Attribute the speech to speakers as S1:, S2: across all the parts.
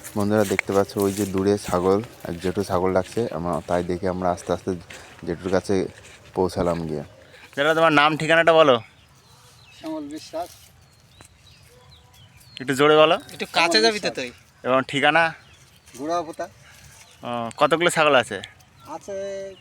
S1: বন্ধুরা দেখতে পাচ্ছ ওই যে দূরে ছাগল, এক জেঠু ছাগল ডাকছে, তাই দেখে আমরা আস্তে আস্তে জেঠুর কাছে পৌঁছালাম গিয়ে। দাদা তোমার নাম ঠিকানাটা বলো।
S2: শ্যামল বিশ্বাস।
S1: একটু জোরে বলো।
S2: একটু কাছে যাবি তো তুই।
S1: এবং ঠিকানা?
S2: গুড়াপোতা।
S1: কতগুলো ছাগল আছে?
S2: আছে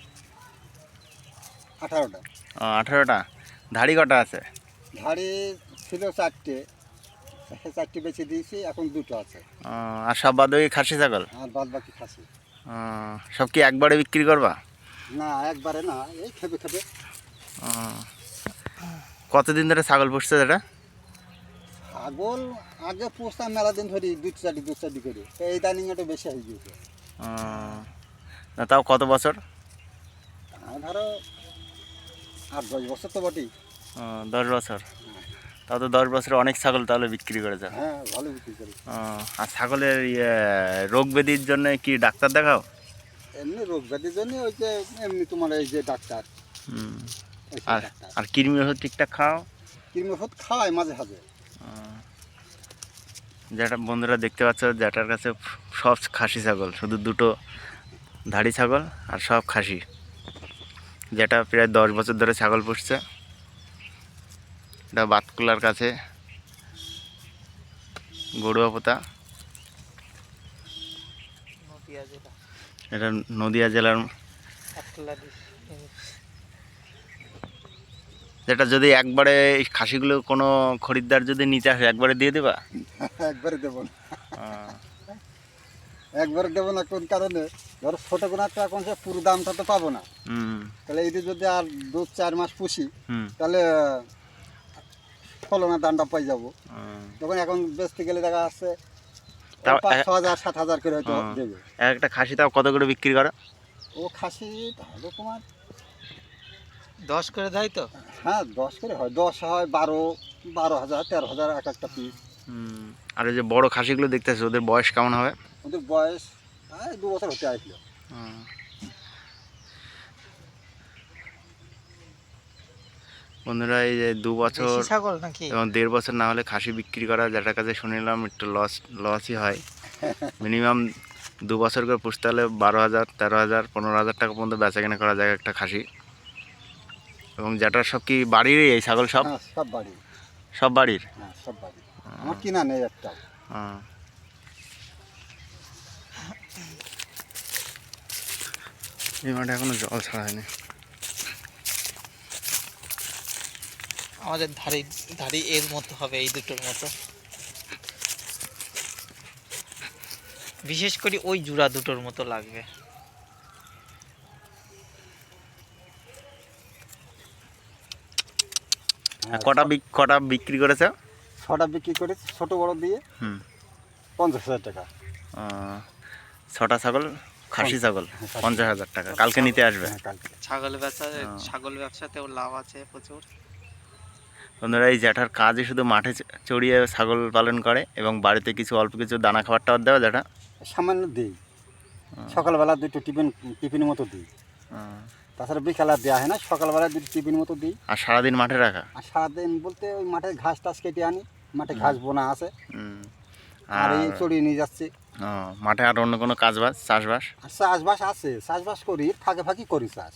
S2: 18টা।
S1: 18টা। ধাড়ি কটা আছে?
S2: ধাড়ি ছিল 4টে, 4টে বেছে দিয়েছি, এখন 2টো আছে।
S1: আর সব বাদ বাকি খাসি ছাগল?
S2: আর বাদ বাকি খাসি।
S1: সব কি একবারে বিক্রি করবা?
S2: না, একবারে না, এই খেপে খেপে।
S1: কতদিন ধরে ছাগল পুষছে এটা?
S2: ছাগল আগে পুষতাম মেলা দিন ধরে, 2-4টি করে। এই দানিং একটু বেশি হয়ে গিয়েছে।
S1: তাও কত বছর?
S2: ধরো 8-10 বছর তো বটেই।
S1: 10 বছর। তাও তো 10 বছরে অনেক ছাগল তাহলে বিক্রি করে যাও।
S2: হ্যাঁ, ভালো বিক্রি করি।
S1: আর ছাগলের রোগ ব্যাধির জন্য কি ডাক্তার দেখাও?
S2: এমনি রোগ ব্যাধির জন্য ওই যে এমনি তোমার এই যে ডাক্তার।
S1: আর কৃমি ওষুধ ঠিকঠাক খাও?
S2: কৃমি ওষুধ খাওয়াই মাঝে মাঝে।
S1: যেটা বন্ধুরা দেখতে পাচ্ছ, যেটার কাছে সব খাসি ছাগল, শুধু 2টো ধাড়ি ছাগল আর সব খাসি। যেটা প্রায় 10 বছর ধরে ছাগল পুষছে। এটা বাতকুলার কাছে গড়ুয়াপোতা, এটা নদিয়া জেলার। যেটা যদি একবারে এই খাসিগুলো কোনো খরিদ্দার যদি নিতে আসে, একবারে দিয়ে দেবা?
S2: একবারে দেবো না, একবারে দেবো না। কোন কারণে? ধরো ছোট কোনো একটা এখন সে পুরো দামটা তো পাবো না। তাহলে এই যদি আর 2-4 মাস পুষি, তাহলে ফলনের দামটা পাই যাবো। তখন এখন বেচতে গেলে দেখা যাচ্ছে 5,000-7,000 করে হয়তো দেবে।
S1: একটা খাসি তাও কত করে বিক্রি করে?
S2: ও খাসি তাহলে তোমার
S3: 10 করে দেয় তো?
S2: হ্যাঁ, 10 করে হয়, 10 হয়, 12,000, 13,000 এক একটা পিস।
S1: আর এই যে বড় খাসিগুলো দেখতেছো, ওদের বয়স কেমন হবে?
S2: ওদের বয়স 2 বছর হতে আসলো।
S1: বন্ধুরা এই যে 2 বছর
S3: ছাগল নাকি
S1: এবং 1.5 বছর না হলে খাসি বিক্রি করা, যেটার কাছে শুনিলাম একটু লসই হয়। মিনিমাম 2 বছর করে পুষতে হলে 12,000, 13,000, 15,000 টাকা পর্যন্ত বেচা কেনা করা যায় একটা খাসি। এবং যেটার সব কি বাড়িরই এই ছাগল? সব
S2: সব বাড়ির।
S1: সব বাড়ির?
S2: হ্যাঁ, সব বাড়ির। আমার কিনা নেই একটা।
S1: এই মাঠে এখনো জল ছাড়া হয়নি।
S3: আমাদের ধাড়ি এর মতো হবে, এই দুটোর মতো। বিশেষ করে ওই জোড়া দুটোর মতো লাগবে।
S1: কটা বিক্রি করেছে?
S2: 6টা বিক্রি করে, ছোট বড় দিয়ে 50,000 টাকা।
S1: 6টা ছাগল, খাসি ছাগল 50,000 টাকা। কালকে নিতে আসবে?
S3: ছাগল ব্যবসাতেও লাভ আছে প্রচুর।
S1: বন্ধুরা এই জ্যাঠার কাজই শুধু মাঠে চড়িয়ে ছাগল পালন করে এবং বাড়িতে কিছু অল্প কিছু দানা খাবার টাবার দেওয়া। জ্যাঠা
S2: সামান্য দিই, সকালবেলা 2টো টিফিনের মতো দিই। তাছাড়া বিকালে দেওয়া হয় না, সকালবেলা 2টো টিফিন মতো দিই।
S1: আর সারাদিন মাঠে রাখা?
S2: আর সারাদিন বলতে ওই মাঠে ঘাস টাস কেটে আনি, মাঠে ঘাস বোনা আছে, আর এই চড়িয়ে নিয়ে যাচ্ছি।
S1: মাঠে আর অন্য কোনো কাজবাজ, চাষবাস?
S2: চাষবাস আছে, চাষবাস করি, ফাঁকে ফাঁকি করি চাষ।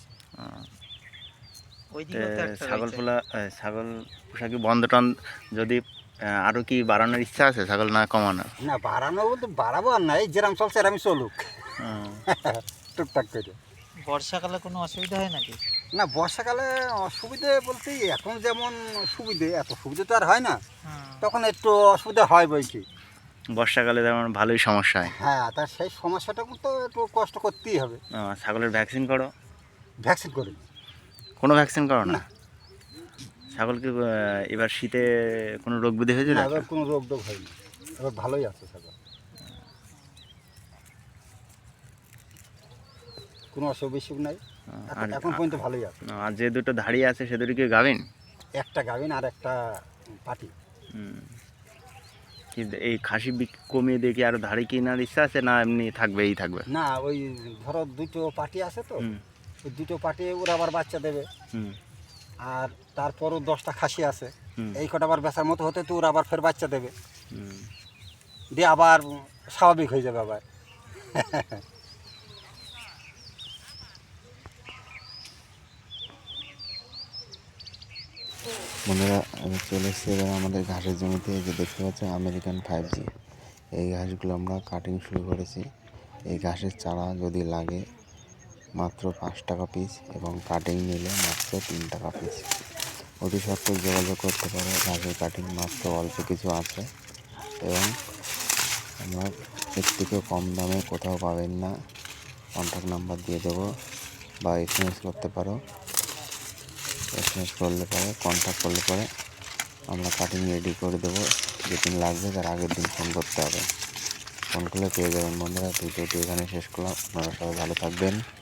S1: ছাগল পোষা কি বন্ধ টন যদি আরও কি বাড়ানোর ইচ্ছা আছে ছাগল, না কমানো?
S2: না, বাড়ানো বলতে বাড়াবো আর নাই, যেরাম চলছে এরামই চলুক টুকটাক করে।
S3: বর্ষাকালে কোনো অসুবিধা হয় নাকি?
S2: না, বর্ষাকালে অসুবিধে বলতে এখন যেমন সুবিধে, এত সুবিধে তো আর হয় না। তখন একটু অসুবিধা হয় বই কি।
S1: বর্ষাকালে যেমন ভালোই সমস্যা হয়।
S2: হ্যাঁ, তার সেই সমস্যাটা তো একটু কষ্ট করতেই হবে।
S1: ছাগলের ভ্যাকসিন করো?
S2: ভ্যাকসিন করি।
S1: কোনো ভ্যাকসিন করো না? ছাগলকে এবার শীতে কোনো রোগ ব্যাধি হয়েছিল?
S2: এবার কোনো রোগ হয়নি, এবার ভালোই আছে ছাগল, কোনো অসুখ বিসুখ নাই, এখন পর্যন্ত ভালোই আছে।
S1: আর যে 2টো ধাড়ি আছে সে 2টো কি গাভিন?
S2: একটা গাভিন আর একটা পাটি।
S1: এই খাসি কমিয়ে দিয়ে কি আরো ধাড়ি কেনার ইচ্ছা আছে, না এমনি থাকবেই থাকবে?
S2: না, ওই ধরো 2টো পাটি আছে তো, ওই 2টো পাটি ওরা আবার বাচ্চা দেবে। আর তারপরও 10টা খাসি আছে, এই কটা আবার বেচার মতো হতে তো ওরা আবার ফের বাচ্চা দেবে, দিয়ে আবার স্বাভাবিক হয়ে যাবে আবার।
S1: বন্ধুরা আমি চলে এসেছি এবার আমাদের ঘাসের জমিতে। এই যে দেখতে পাচ্ছেন আমেরিকান 5G, এই ঘাসগুলো আমরা কাটিং শুরু করেছি। এই ঘাসের চারা যদি লাগে মাত্র 5 টাকা পিস এবং কাটিং নিলে মাত্র 3 টাকা পিস। অতি সত্ত্বর যোগাযোগ করতে পারে, ঘাসের কাটিং মাত্র অল্প কিছু আছে এবং আমরা এর থেকে কম দামে কোথাও পাবেন না। কন্ট্যাক্ট নাম্বার দিয়ে দেবো বা SMS করতে পারো। SMS করলে পরে কন্ট্যাক্ট করলে পরে আমরা কাটিং রেডি করে দেবো। যেদিন লাগবে তার আগের দিন ফোন করতে হবে, ফোন করলে পেয়ে যাবেন। বন্ধুরা ভিডিওটি এখানে শেষ করলাম, আপনারা সবাই ভালো থাকবেন।